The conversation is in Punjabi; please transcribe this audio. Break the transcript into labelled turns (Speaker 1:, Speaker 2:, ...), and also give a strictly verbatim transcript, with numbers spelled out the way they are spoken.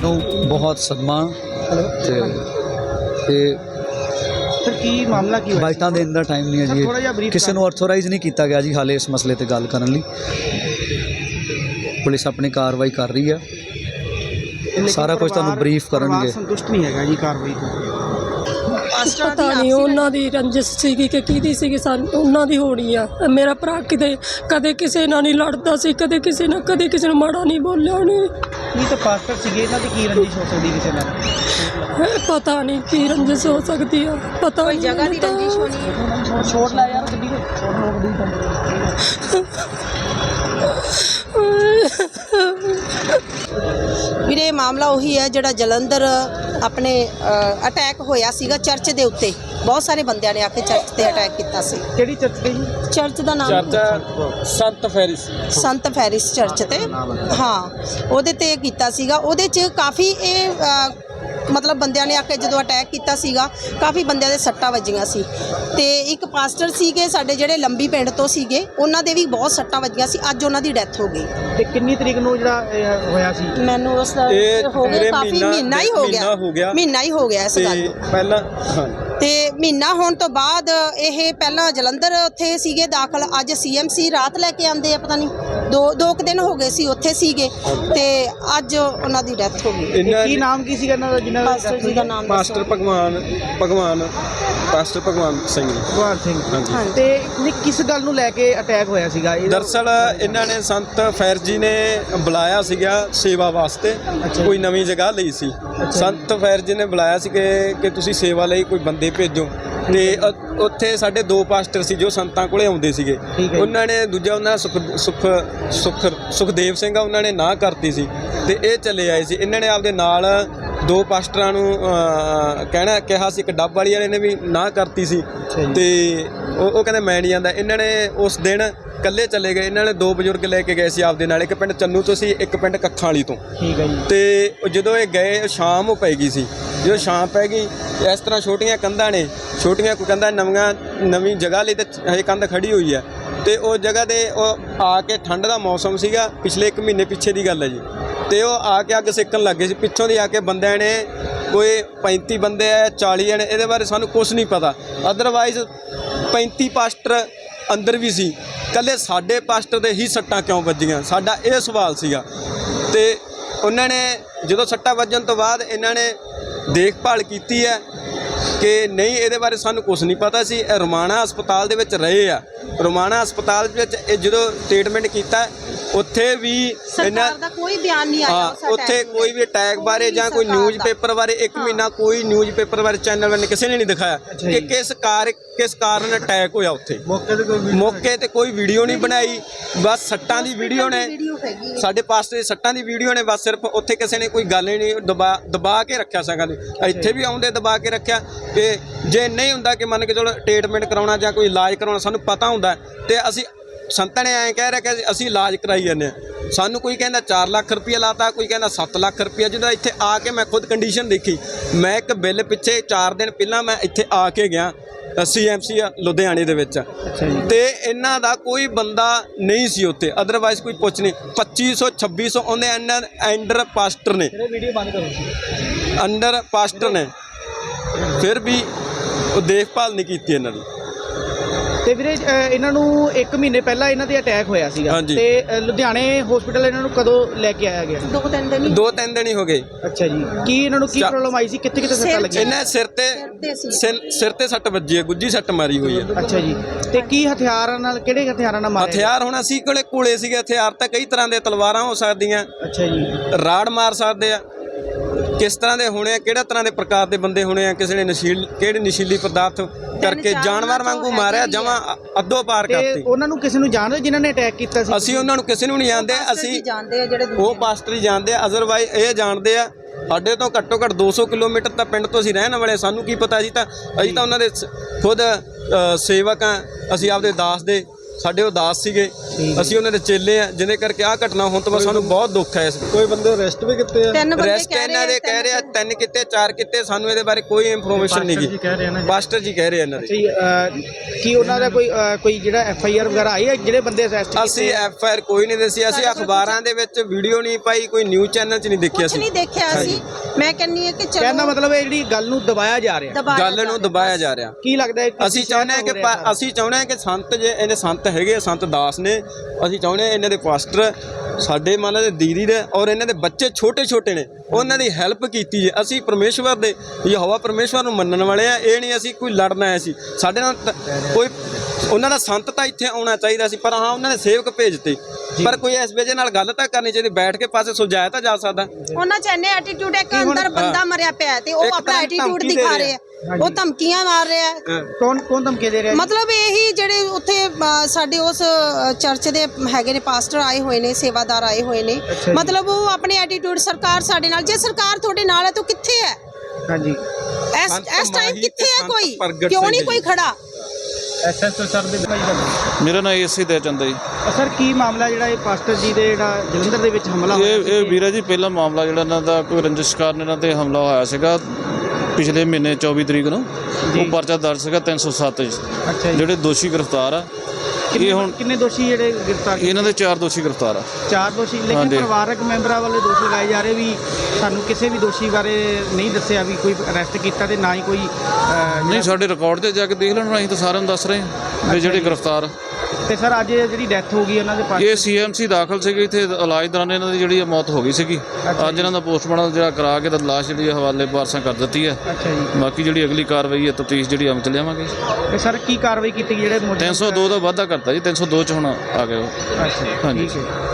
Speaker 1: ਨੂੰ ਬਹੁਤ ਸਦਮਾ ਤੇ ਤੇ
Speaker 2: ਸਰ ਕੀ ਮਾਮਲਾ ਕੀ ਹੋਇਆ?
Speaker 1: ਬਾਈਟਾਂ ਦੇਣ ਦਾ ਟਾਈਮ ਨਹੀਂ ਹੈ ਜੀ, ਕਿਸੇ ਨੂੰ ਆਥੋਰਾਈਜ਼ ਨਹੀਂ ਕੀਤਾ ਗਿਆ ਜੀ ਹਾਲੇ ਇਸ ਮਸਲੇ ਤੇ ਗੱਲ ਕਰਨ ਲਈ। ਪੁਲਿਸ ਆਪਣੀ ਕਾਰਵਾਈ ਕਰ ਰਹੀ ਆ, ਸਾਰਾ ਕੁਝ ਤੁਹਾਨੂੰ ਬਰੀਫ ਕਰਨਗੇ।
Speaker 2: ਸੰਤੁਸ਼ਟ ਨਹੀਂ ਹੈਗਾ ਜੀ ਕਾਰਵਾਈ ਤੋਂ।
Speaker 3: ਪਤਾ ਨਹੀਂ ਉਹਨਾਂ ਦੀ ਰੰਜਿਸ਼ ਸੀਗੀ ਕਿ ਕਿਹਦੀ ਸੀਗੀ, ਸਾਨੂੰ ਉਹਨਾਂ ਦੀ ਹੋਣੀ ਆ। ਮੇਰਾ ਭਰਾ ਕਿਤੇ ਕਦੇ ਕਿਸੇ ਨਾਲ ਨਹੀਂ ਲੜਦਾ ਸੀ, ਕਦੇ ਕਿਸੇ ਨਾਲ ਕਦੇ ਕਿਸੇ ਨੂੰ ਮਾੜਾ ਨਹੀਂ ਬੋਲਿਆ ਉਹਨੇ।
Speaker 2: ਇਹ ਤਾਂ ਪਾਸਟਰ ਸੀਗੇ, ਇਹਨਾਂ ਦੀ ਕੀ ਰੰਜਿਸ਼ ਹੋ ਸਕਦੀ ਕਿਸੇ ਨਾਲ?
Speaker 3: ਪਤਾ ਨਹੀਂ ਕੀ ਰੰਜਿਸ਼ ਹੋ ਸਕਦੀ ਆ, ਪਤਾ
Speaker 4: ਕੋਈ ਜਗ੍ਹਾ ਦੀ ਰੰਜਿਸ਼ ਹੋਣੀ ਹੈ।
Speaker 2: ਛੋੜ ਲੈ ਯਾਰ ਗੱਡੀ ਦੇ, ਛੋੜ ਲੋ ਗੱਡੀ।
Speaker 4: ਵੀਰੇ ਮਾਮਲਾ ਉਹੀ ਹੈ ਜਿਹੜਾ ਜਲੰਧਰ ਆਪਣੇ ਅਟੈਕ ਹੋਇਆ ਸੀਗਾ ਚਰਚ ਦੇ ਉੱਤੇ। ਬਹੁਤ ਸਾਰੇ ਬੰਦਿਆਂ ਨੇ ਆ ਕੇ ਚਰਚ ਤੇ ਅਟੈਕ ਕੀਤਾ ਸੀ।
Speaker 2: ਕਿਹੜੀ ਚਰਚ ਤੇ ਜੀ?
Speaker 4: ਚਰਚ ਦਾ ਨਾਮ
Speaker 5: ਚਰਚ ਸੰਤ ਫੈਰਿਸ
Speaker 4: ਸੰਤ ਫੈਰਿਸ ਚਰਚ ਤੇ, ਹਾਂ ਉਹਦੇ ਤੇ ਕੀਤਾ ਸੀਗਾ। ਉਹਦੇ 'ਚ ਕਾਫੀ ਇਹ ਅ, ਮਤਲਬ ਬੰਦਿਆਂ ਨੇ ਆ ਕੇ ਜਦੋਂ ਅਟੈਕ ਕੀਤਾ ਸੀਗਾ ਕਾਫੀ ਬੰਦਿਆਂ ਦੇ ਸੱਟਾਂ ਵੱਜੀਆਂ ਸੀ। ਤੇ ਇੱਕ ਪਾਸਟਰ ਸੀਗੇ ਸਾਡੇ ਜਿਹੜੇ ਲੰਬੀ ਪਿੰਡ ਤੋਂ ਸੀਗੇ, ਉਹਨਾਂ ਦੇ ਵੀ ਬਹੁਤ ਸੱਟਾਂ ਵੱਜੀਆਂ ਸੀ। ਅੱਜ ਉਹਨਾਂ ਦੀ ਡੈਥ ਹੋ ਗਈ।
Speaker 2: ਤੇ ਕਿੰਨੀ ਤਰੀਕ ਨੂੰ ਜਿਹੜਾ ਇਹ ਹੋਇਆ ਸੀ?
Speaker 4: ਮੈਨੂੰ ਉਸ ਦਾ ਹੋ ਗਿਆ ਕਾਫੀ ਮਹੀਨਾ ਹੀ ਹੋ ਗਿਆ ਮਹੀਨਾ ਹੀ ਹੋ ਗਿਆ ਇਸ ਗੱਲ ਨੂੰ।
Speaker 5: ਪਹਿਲਾਂ
Speaker 4: ਤੇ ਮਹੀਨਾ ਹੋਣ ਤੋਂ ਬਾਅਦ ਇਹ ਪਹਿਲਾਂ ਜਲੰਧਰ ਉੱਥੇ ਸੀਗੇ ਦਾਖਲ, ਅੱਜ ਸੀਐਮਸੀ ਰਾਤ ਲੈ ਕੇ ਆਂਦੇ ਆ, ਪਤਾ ਨਹੀਂ ਦੋ ਦੋ ਕੁ ਦਿਨ ਹੋ ਗਏ ਸੀ ਉੱਥੇ ਸੀਗੇ ਤੇ ਅੱਜ ਉਹਨਾਂ ਦੀ ਡੈਥ ਹੋ ਗਈ।
Speaker 2: ਕੀ ਨਾਮ ਕੀ ਸੀਗਾ ਇਹਨਾਂ ਦਾ ਜਿਹਨਾਂ
Speaker 4: ਪਾਸਟਰ ਜੀ ਦਾ ਨਾਮ
Speaker 5: ਪਾਸਟਰ ਭਗਵਾਨ ਭਗਵਾਨ ਪਾਸਟਰ ਭਗਵਾਨ ਸਿੰਘ ਜੀ।
Speaker 2: ਭਗਵਾਨ ਸਿੰਘ।
Speaker 5: ਹਾਂਜੀ।
Speaker 2: ਤੇ ਨਹੀਂ ਕਿਸ ਗੱਲ ਨੂੰ ਲੈ ਕੇ ਅਟੈਕ ਹੋਇਆ ਸੀਗਾ?
Speaker 5: ਦਰਅਸਲ ਇਹਨਾਂ ਨੇ ਸੰਤ ਫੈਰ ਜੀ ਨੇ ਬੁਲਾਇਆ ਸੀਗਾ ਸੇਵਾ ਵਾਸਤੇ, ਕੋਈ ਨਵੀਂ ਜਗ੍ਹਾ ਲਈ ਸੀ। ਸੰਤ ਫੈਰ ਜੀ ਨੇ ਬੁਲਾਇਆ ਸੀ ਕਿ ਕਿ ਤੁਸੀਂ ਸੇਵਾ ਲਈ ਕੋਈ ਬੰਦੇ ਭੇਜੋ। ਤੇ ਉੱਥੇ ਸਾਡੇ ਦੋ ਪਾਸਟਰ ਸੀ ਜੋ ਸੰਤਾਂ ਕੋਲੇ ਆਉਂਦੇ ਸੀਗੇ। ਉਹਨਾਂ ਨੇ ਦੂਜਾ ਉਹਨਾਂ ਸੁਖ ਸੁਖ ਸੁਖ ਸੁਖਦੇਵ ਸਿੰਘ ਆ, ਉਹਨਾਂ ਨੇ ਨਾ ਕਰਤੀ ਸੀ ਤੇ ਇਹ ਚਲੇ ਆਏ ਸੀ। ਇਹਨਾਂ ਨੇ ਆਪਦੇ ਨਾਲ ਦੋ ਪਾਸਟਰਾਂ ਨੂੰ ਕਹਿਣਾ ਕਿਹਾ ਸੀ, ਇੱਕ ਡੱਬ ਵਾਲੀ ਵਾਲੇ ਨੇ ਵੀ ਨਾ ਕਰਤੀ ਸੀ ਤੇ ਉਹ ਉਹ ਕਹਿੰਦੇ ਮੈਂ ਨਹੀਂ ਜਾਂਦਾ। ਇਹਨਾਂ ਨੇ ਉਸ ਦਿਨ ਇਕੱਲੇ ਚਲੇ ਗਏ। ਇਹਨਾਂ ਨੇ ਦੋ ਬਜ਼ੁਰਗ ਲੈ ਕੇ ਗਏ ਸੀ ਆਪਦੇ ਨਾਲ, ਇੱਕ ਪਿੰਡ ਚੰਨੂ ਤੋਂ ਸੀ, ਇੱਕ ਪਿੰਡ ਕੱਖਾਂ ਵਾਲੀ ਤੋਂ।
Speaker 2: ਠੀਕ ਹੈ ਜੀ।
Speaker 5: ਤੇ ਜਦੋਂ ਇਹ ਗਏ ਸ਼ਾਮ ਹੋ ਪੈ ਗਈ ਸੀ। ਜਦੋਂ ਸ਼ਾਮ ਪੈ ਗਈ ਇਸ ਤਰ੍ਹਾਂ ਛੋਟੀਆਂ ਕੰਧਾਂ ਨੇ, ਛੋਟੀਆਂ ਕੋਈ ਕੰਧਾਂ ਨਵੀਆਂ ਨਵੀਂ ਜਗ੍ਹਾ ਲਈ ਤੇ ਹਜੇ ਕੰਧ ਖੜੀ ਹੋਈ ਹੈ ਤੇ ਉਹ ਜਗ੍ਹਾ ਤੇ ਉਹ ਆ ਕੇ ਠੰਡ ਦਾ ਮੌਸਮ ਸੀਗਾ, ਪਿਛਲੇ ਇੱਕ ਮਹੀਨੇ ਪਿੱਛੇ ਦੀ ਗੱਲ ਹੈ ਜੀ। ਤੇ ਉਹ ਆ ਕੇ ਅੱਗ ਸੇਕਣ ਲੱਗ ਗਏ ਸੀ। ਪਿੱਛੋਂ ਦੀ ਆ ਕੇ ਬੰਦਿਆਂ ਨੇ ਕੋਈ ਪੈਂਤੀ ਬੰਦੇ ਆ ਚਾਲੀ ਜਣੇ, ਇਹਦੇ ਬਾਰੇ ਸਾਨੂੰ ਕੁਛ ਨਹੀਂ ਪਤਾ। ਅਦਰਵਾਈਜ਼ ਪੈਂਤੀ ਪਾਸਟਰ ਅੰਦਰ ਵੀ ਸੀ, ਇਕੱਲੇ ਸਾਡੇ ਪਾਸਟਰ ਦੇ ਹੀ ਸੱਟਾਂ ਕਿਉਂ ਵੱਜੀਆਂ, ਸਾਡਾ ਇਹ ਸਵਾਲ ਸੀਗਾ। ਤੇ ਉਹਨਾਂ ਨੇ ਜਦੋਂ ਸੱਟਾਂ ਵੱਜਣ ਤੋਂ ਬਾਅਦ ਇਹਨਾਂ ਨੇ ਦੇਖਭਾਲ ਕੀਤੀ ਹੈ ਕਿ ਨਹੀਂ ਇਹਦੇ ਬਾਰੇ ਸਾਨੂੰ ਕੁਝ ਨਹੀਂ ਪਤਾ ਸੀ। ਇਹ ਰੋਮਾਣਾ ਹਸਪਤਾਲ ਦੇ ਵਿੱਚ ਰਹੇ ਆ। ਰੋਮਾਣਾ ਹਸਪਤਾਲ ਵਿੱਚ ਇਹ ਜਦੋਂ ਟ੍ਰੀਟਮੈਂਟ ਕੀਤਾ ਉੱਥੇ ਵੀ ਇਹਨਾਂ
Speaker 4: ਦਾ ਕੋਈ ਬਿਆਨ ਨਹੀਂ ਆਇਆ।
Speaker 5: ਹਾਂ, ਉੱਥੇ ਕੋਈ ਵੀ ਅਟੈਕ ਬਾਰੇ ਜਾਂ ਕੋਈ ਨਿਊਜ਼ ਪੇਪਰ ਬਾਰੇ ਇੱਕ ਮਹੀਨਾ ਕੋਈ ਨਿਊਜ਼ ਪੇਪਰ ਬਾਰੇ ਚੈਨਲ ਵਾਲੇ ਕਿਸੇ ਨੇ ਨਹੀਂ ਦਿਖਾਇਆ ਕਿ ਕਿਸ ਕਾਰ ਕਿਸ ਕਾਰਨ ਅਟੈਕ ਹੋਇਆ। ਉੱਥੇ ਮੌਕੇ ਤੇ ਕੋਈ ਵੀਡੀਓ ਨਹੀਂ ਬਣਾਈ, ਬਸ ਸੱਟਾਂ ਦੀ ਵੀਡੀਓ ਨੇ, ਸਾਡੇ ਪਾਸਟਰ ਦੀ ਸੱਟਾਂ ਦੀ ਵੀਡੀਓ ਨੇ, ਬਸ ਸਿਰਫ ਉੱਥੇ ਕਿਸੇ ਨੇ ਕੋਈ ਗੱਲ ਹੀ ਨਹੀਂ, ਦਬਾ ਦਬਾ ਕੇ ਰੱਖਿਆ ਸੰਗਾਂ ਦੇ। ਇੱਥੇ ਵੀ ਆਉਂਦੇ ਦਬਾ ਕੇ ਰੱਖਿਆ ਕਿ ਜੇ ਨਹੀਂ ਹੁੰਦਾ ਕਿ ਮੰਨ ਕੇ ਚਲੋ ਟ੍ਰੀਟਮੈਂਟ ਕਰਾਉਣਾ ਜਾਂ ਕੋਈ ਇਲਾਜ ਕਰਾਉਣਾ ਸਾਨੂੰ ਪਤਾ ਹੁੰਦਾ ਤੇ ਅਸੀਂ ਸੰਤਾਂ ਨੇ ਐਂ ਕਹਿ ਰਿਹਾ ਕਿ ਅਸੀਂ ਇਲਾਜ ਕਰਾਈ ਜਾਂਦੇ ਹਾਂ। ਸਾਨੂੰ ਕੋਈ ਕਹਿੰਦਾ ਚਾਰ ਲੱਖ ਰੁਪਈਆ ਲਾਤਾ, ਕੋਈ ਕਹਿੰਦਾ ਸੱਤ ਲੱਖ ਰੁਪਈਆ। ਜਦੋਂ ਇੱਥੇ ਆ ਕੇ ਮੈਂ ਖੁਦ ਕੰਡੀਸ਼ਨ ਦੇਖੀ, ਮੈਂ ਇੱਕ ਬਿੱਲ ਪਿੱਛੇ ਚਾਰ ਦਿਨ ਪਹਿਲਾਂ ਮੈਂ ਇੱਥੇ ਆ ਕੇ ਗਿਆ ਸੀ ਐਮ ਸੀ ਲੁਧਿਆਣੇ ਦੇ ਵਿੱਚ ਤੇ ਇਹਨਾਂ ਦਾ ਕੋਈ ਬੰਦਾ ਨਹੀਂ ਸੀ ਉੱਥੇ। ਅਦਰਵਾਈਜ਼ ਕੋਈ ਪੁੱਛ ਨਹੀਂ। ਪੱਚੀ ਸੌ ਛੱਬੀ ਸੌ ਉਹਦੇ ਅੰਡਰ ਅੰਡਰ ਪਾਸਟਰ ਨੇ, ਅੰਡਰ ਪਾਸਟਰ ਨੇ, ਫਿਰ ਵੀ ਉਹ ਦੇਖਭਾਲ ਨਹੀਂ ਕੀਤੀ ਇਹਨਾਂ ਦੀ।
Speaker 2: ਤੇ ਵੀਰੇ ਇਹਨਾਂ ਨੂੰ ਇੱਕ ਮਹੀਨੇ ਪਹਿਲਾਂ ਇਹਨਾਂ ਤੇ ਅਟੈਕ ਹੋਇਆ ਸੀਗਾ ਤੇ ਲੁਧਿਆਣੇ ਹਸਪੀਟਲ ਇਹਨਾਂ ਨੂੰ ਕਦੋਂ ਲੈ ਕੇ ਆਇਆ ਗਿਆ?
Speaker 4: ਦੋ ਤਿੰਨ ਦਿਨ
Speaker 5: ਦੋ ਤਿੰਨ ਦਿਨ ਹੀ ਹੋ ਗਏ।
Speaker 2: ਅੱਛਾ ਜੀ। ਕੀ ਇਹਨਾਂ ਨੂੰ ਕੀ ਪ੍ਰੋਬਲਮ ਆਈ ਸੀ? ਕਿੱਥੇ ਕਿੱਥੇ ਸੱਟਾਂ ਲੱਗੀਆਂ? ਇਹਨਾਂ
Speaker 5: ਸਿਰ ਤੇ ਸਿਰ ਤੇ ਸੱਟ ਵੱਜੀ ਹੈ, ਗੁੱਜੀ ਸੱਟ ਮਾਰੀ ਹੋਈ ਹੈ।
Speaker 2: ਅੱਛਾ ਜੀ। ਤੇ ਕੀ ਹਥਿਆਰਾਂ ਨਾਲ, ਕਿਹੜੇ ਹਥਿਆਰਾਂ ਨਾਲ ਮਾਰੇ?
Speaker 5: ਹਥਿਆਰ ਹੁਣ ਅਸੀਂ ਕੋਲੇ ਕੋਲੇ ਸੀਗੇ ਹਥਿਆਰ ਤਾਂ ਕਈ ਤਰ੍ਹਾਂ ਦੇ, ਤਲਵਾਰਾਂ ਹੋ ਸਕਦੀਆਂ,
Speaker 2: ਅੱਛਾ ਜੀ, ਰਾੜ
Speaker 5: ਮਾਰ ਸਕਦੇ ਆ, ਕਿਸ ਤਰ੍ਹਾਂ ਦੇ ਹੋਣੇ ਆ, ਕਿਹੜਾ ਤਰ੍ਹਾਂ ਦੇ ਪ੍ਰਕਾਰ ਦੇ ਬੰਦੇ ਹੋਣੇ ਆ, ਕਿਸੇ ਨੇ ਨਸ਼ੀਲ ਕਿਹੜੇ ਨਸ਼ੀਲੀ ਪਦਾਰਥ ਕਰਕੇ ਜਾਨਵਰ ਵਾਂਗੂ ਮਾਰਿਆ, ਜਮਾਂ ਅੱਧੋ ਪਾਰ ਕਰਤੀ।
Speaker 2: ਉਹਨਾਂ ਨੂੰ ਕਿਸੇ ਨੂੰ ਜਾਣਦੇ ਜਿਨ੍ਹਾਂ ਨੇ ਅਟੈਕ ਕੀਤਾ ਸੀ?
Speaker 5: ਅਸੀਂ ਉਹਨਾਂ ਨੂੰ ਕਿਸੇ ਨੂੰ ਨਹੀਂ ਜਾਣਦੇ, ਅਸੀਂ ਉਹ ਪਾਸਟਰ ਹੀ ਜਾਣਦੇ ਆ, ਅਦਰਵਾਈਜ਼ ਇਹ ਜਾਣਦੇ ਆ। ਸਾਡੇ ਤੋਂ ਘੱਟੋ ਘੱਟ ਦੋ ਸੌ ਕਿਲੋਮੀਟਰ ਤਾਂ ਪਿੰਡ ਤੋਂ ਅਸੀਂ ਰਹਿਣ ਵਾਲੇ, ਸਾਨੂੰ ਕੀ ਪਤਾ। ਅਸੀਂ ਤਾਂ ਅਸੀਂ ਤਾਂ ਉਹਨਾਂ ਦੇ ਖੁਦ ਸੇਵਕ ਹਾਂ, ਅਸੀਂ ਆਪਦੇ ਦਾਸ ਦੇ ਸਾਡੇ ਉਦਾਸ ਸੀਗੇ, ਅਸੀਂ ਉਹਨਾਂ ਦੇ ਚੇਲੇ ਆ, ਜਿਹਦੇ ਕਰਕੇ ਆਹ ਘਟਨਾ ਹੋਣ ਤੋਂ ਬਾਅਦ ਸਾਨੂੰ ਬਹੁਤ ਦੁੱਖ ਹੈ। ਇਸ
Speaker 6: ਕੋਈ ਬੰਦੇ ਅਰੈਸਟ ਵੀ ਕੀਤੇ ਆ?
Speaker 4: ਤਿੰਨ ਬੰਦੇ
Speaker 5: ਰੈਸਟ
Speaker 4: ਕਹਿ
Speaker 5: ਇਹਨਾਂ ਦੇ ਕਹਿ ਰਹੇ ਆ ਤਿੰਨ ਕਿਤੇ ਚਾਰ ਕਿਤੇ, ਸਾਨੂੰ ਇਹਦੇ ਬਾਰੇ ਕੋਈ ਇਨਫੋਰਮੇਸ਼ਨ ਨਹੀਂ ਗੀ। ਪਾਸਟਰ ਜੀ ਕਹਿ ਰਹੇ ਇਹਨਾਂ ਦੇ।
Speaker 2: ਜੀ, ਅਹ, ਕੀ ਉਹਨਾਂ ਦਾ ਕੋਈ ਅਹ, ਕੋਈ ਜਿਹੜਾ ਐਫ ਆਈ ਆਰ ਵਗੈਰਾ ਆਈ ਹੈ ਜਿਹੜੇ ਬੰਦੇ ਅਰੈਸਟ
Speaker 5: ਅਸੀਂ ਐਫ ਆਈ ਆਰ ਕੋਈ ਨਹੀਂ ਦੱਸੀ, ਅਸੀਂ ਅਖਬਾਰਾਂ ਦੇ ਵਿੱਚ ਵੀਡੀਓ ਨਹੀਂ ਪਾਈ, ਕੋਈ ਨਿਊਜ਼ ਚੈਨਲ 'ਚ ਨਹੀਂ ਦੇਖਿਆ
Speaker 4: ਕੁਝ
Speaker 5: ਸੀ।
Speaker 4: ਨਹੀਂ ਦੇਖਿਆ ਅਸੀਂ। ਮੈਂ ਕਹਿੰਨੀ ਆ ਕਿ ਚਲੋ
Speaker 2: ਕਹਿਣ ਦਾ ਮਤਲਬ ਇਹ ਜਿਹੜੀ ਗੱਲ ਨੂੰ ਦਬਾਇਆ ਜਾ ਰਿਹਾ,
Speaker 4: ਦਬਾਇਆ
Speaker 5: ਗੱਲ ਨੂੰ ਦਬਾਇਆ ਜਾ ਰਿਹਾ।
Speaker 2: ਕੀ ਲੱਗਦਾ ਹੈ ਕਿ
Speaker 5: ਅਸੀਂ ਚਾਹੁੰਦੇ ਹਾਂ ਕਿ ਪਾ- ਅਸੀਂ ਚਾਹੁੰਦੇ ਹਾਂ ਕਿ ਸੰਤ ਜੇ ਇਹਨੇ ਸੰਤ ਹੈਗੇ ਆ, ਸੰਤ ਦਾਸ ਨੇ, ਅਸੀਂ ਚਾਹੁੰਦੇ ਹਾਂ ਇਹਨਾਂ ਦੇ ਪਾਸਟਰ ਸਾਡੇ ਮਨ ਦੇ ਦੀਦੀ ਦੇ ਔਰ ਇਹਨਾਂ ਦੇ ਬੱਚੇ ਛੋਟੇ ਛੋਟੇ ਨੇ, ਉਹਨਾਂ ਦੀ ਹੈਲਪ ਕੀਤੀ ਜੇ। ਅਸੀਂ ਪਰਮੇਸ਼ਵਰ ਦੇ ਯਹੋਵਾ ਪਰਮੇਸ਼ਵਰ ਨੂੰ ਮੰਨਣ ਵਾਲੇ ਆ, ਇਹ ਨਹੀਂ ਅਸੀਂ ਕੋਈ ਲੜਨ ਆਏ ਸੀ। ਸਾਡੇ ਨਾਲ ਤ- ਕੋਈ ਉਹਨਾਂ ਦਾ ਸੰਤ ਤਾਂ ਇੱਥੇ ਆਉਣਾ ਚਾਹੀਦਾ ਸੀ, ਪਰ ਹਾਂ ਉਹਨਾਂ ਨੇ ਸੇਵਕ ਭੇਜਤੇ। ਪਰ ਕੋਈ ਇਸ ਵਜ੍ਹਾ ਨਾਲ ਗੱਲ ਤਾਂ ਕਰਨੀ ਚਾਹੀਦੀ, ਬੈਠ ਕੇ ਪਾਸੇ ਸੁਲਝਾਇਆ ਤਾਂ ਜਾ ਸਕਦਾ।
Speaker 4: ਉਹਨਾਂ ਚ ਇੰਨੇ ਐਟੀਟਿਊਡ ਇੱਕ ਅੰਦਰ ਬੰਦਾ ਮਰਿਆ ਪਿਆ ਤੇ ਉਹ
Speaker 5: ਇੱਕ
Speaker 4: ਆਪਣਾ
Speaker 5: ਤਰ੍ਹਾਂ
Speaker 4: ਐਟੀਟਿਊਡ
Speaker 5: ਧਮਕੀ
Speaker 4: ਦਿਖਾ
Speaker 5: ਦੇ
Speaker 4: ਰਹੇ ਆ, ਉਹ ਧਮਕੀਆਂ ਮਾਰ ਰਿਹਾ ਹੈ।
Speaker 2: ਕੌਣ ਕੌਣ ਧਮਕੀ ਦੇ ਰਿਹਾ?
Speaker 4: ਮਤਲਬ ਇਹੀ ਜਿਹੜੇ ਉੱਥੇ ਅ, ਸਾਡੇ ਉਸ ਅ, ਚਰਚ ਦੇ ਹੈਗੇ ਨੇ ਪਾਸਟਰ ਆਏ ਹੋਏ ਨੇ, ਸੇਵਾਦਾਰ ਆਏ ਹੋਏ ਨੇ, ਮਤਲਬ ਉਹ ਆਪਣੇ ਐਟੀਟਿਊਡ ਸਰਕਾਰ ਸਾਡੇ ਨਾਲ, ਜੇ ਸਰਕਾਰ ਤੁਹਾਡੇ ਨਾਲ ਹੈ ਤਾਂ ਕਿੱਥੇ ਹੈ
Speaker 2: ਹਾਂਜੀ,
Speaker 4: ਇਸ
Speaker 5: ਸੰਤ
Speaker 4: ਇਸ ਟਾਈਮ
Speaker 5: ਮਾਹੀ
Speaker 4: ਕਿੱਥੇ
Speaker 5: ਤੇ
Speaker 4: ਹੈ
Speaker 5: ਸੰਤ
Speaker 4: ਕੋਈ?
Speaker 5: ਪ੍ਰਗਟ
Speaker 4: ਕਿਉਂ ਨਹੀਂ
Speaker 5: ਸਿੰਘ
Speaker 4: ਕੋਈ ਖੜਾ?
Speaker 2: ਐਸ ਐਸ ਓ ਸਰ ਦੇ
Speaker 7: ਮੇਰਾ ਨਾਮ ਏਸੀ ਦੇ ਚੰਦਾ ਜੀ।
Speaker 2: ਸਰ ਕੀ ਮਾਮਲਾ ਜਿਹੜਾ ਇਹ ਪਾਸਟਰ ਜੀ ਦੇ ਜਿਹੜਾ ਜਲੰਧਰ ਦੇ ਵਿੱਚ ਹਮਲਾ ਹੋਇਆ
Speaker 7: ਇਹ ਇਹ ਵੀਰਾ ਜੀ ਪਹਿਲਾ ਮਾਮਲਾ ਜਿਹੜਾ ਇਹਨਾਂ ਦਾ ਕੋਈ ਰੰਜਿਸ਼ ਕਾਰਨ ਇਹਨਾਂ ਤੇ ਹਮਲਾ ਹੋਇਆ ਸੀਗਾ ਪਿਛਲੇ ਮਹੀਨੇ ਚੌਵੀ ਤਰੀਕ ਨੂੰ। ਉਹ ਪਰਚਾ ਦਰਜ ਸੀਗਾ ਤਿੰਨ ਸੌ ਸੱਤ 'ਚ।
Speaker 2: ਅੱਛਾ ਜੀ,
Speaker 7: ਜਿਹੜੇ ਦੋਸ਼ੀ ਗ੍ਰਿਫਤਾਰ ਆ
Speaker 2: ਕਿੰਨੇ
Speaker 7: ਇਹ ਹੁਣ
Speaker 2: ਕਿੰਨੇ ਦੋਸ਼ੀ ਜਿਹੜੇ ਗ੍ਰਿਫਤਾਰ ਕੀਤੇ?
Speaker 7: ਇਹਨਾਂ ਦੇ ਚਾਰ ਦੋਸ਼ੀ ਗ੍ਰਿਫਤਾਰ ਆ।
Speaker 2: ਚਾਰ ਦੋਸ਼ੀ, ਲੇਕਿਨ
Speaker 7: ਹਾਂਜੀ।
Speaker 2: ਪਰਿਵਾਰਕ ਮੈਂਬਰਾਂ ਵੱਲੋਂ ਦੋਸ਼ ਲਗਾਏ ਜਾ ਰਹੇ ਵੀ ਸਾਨੂੰ ਕਿਸੇ ਵੀ ਦੋਸ਼ੀ ਬਾਰੇ ਨਹੀਂ ਦੱਸਿਆ ਵੀ ਕੋਈ ਅਰੈਸਟ ਕੀਤਾ ਤੇ ਨਾ ਹੀ ਕੋਈ ਅਹ,
Speaker 7: ਨਹੀਂ, ਸਾਡੇ ਰਿਕਾਰਡ ਤੇ ਜਾ ਕੇ ਦੇਖ ਲੈਣ, ਅਸੀਂ ਤਾਂ ਸਾਰਿਆਂ ਨੂੰ ਦੱਸ ਰਹੇ ਹਾਂ ਵੀ ਜਿਹੜੇ ਗ੍ਰਿਫਤਾਰ।
Speaker 2: ਤੇ ਸਰ ਅੱਜ ਜਿਹੜੀ ਡੈਥ ਹੋ ਗਈ ਉਹਨਾਂ ਦੇ ਪਾਸ,
Speaker 7: ਇਹ ਸੀ ਐਮ ਸੀ ਦਾਖਲ ਸੀਗੇ ਇੱਥੇ, ਇਲਾਜ ਦੌਰਾਨ ਇਹਨਾਂ ਦੀ ਜਿਹੜੀ ਮੌਤ ਹੋ ਗਈ ਸੀਗੀ। ਅੱਜ ਇਹਨਾਂ ਦਾ ਪੋਸਟਮਾਰਟਮ ਜਿਹੜਾ ਕਰਾ ਕੇ ਤਾਂ ਲਾਸ਼ ਜਿਹੜੀ ਹਵਾਲੇ ਵਾਰਸਾਂ ਕਰ ਦਿੱਤੀ ਹੈ।
Speaker 2: ਅੱਛਾ ਜੀ,
Speaker 7: ਬਾਕੀ ਜਿਹੜੀ ਅਗਲੀ ਕਾਰਵਾਈ ਹੈ ਤਫਤੀਸ਼ ਜਿਹੜੀ ਅਮਲ ਚ ਲਿਆਵਾਂਗੇ।
Speaker 2: ਤੇ ਸਰ ਕੀ ਕਾਰਵਾਈ ਕੀਤੀ ਜਿਹੜੇ ਮੁਲਜ਼ਮ-
Speaker 7: ਤਿੰਨ ਸੌ ਦੋ ਦਾ ਵਾਧਾ ਕਰਤਾ ਜੀ, ਤਿੰਨ ਸੌ ਦੋ 'ਚ ਹੁਣ ਆ ਗਏ ਉਹ।
Speaker 2: ਅੱਛਾ,
Speaker 7: ਹਾਂਜੀ।
Speaker 2: ਠੀਕ ਹੈ।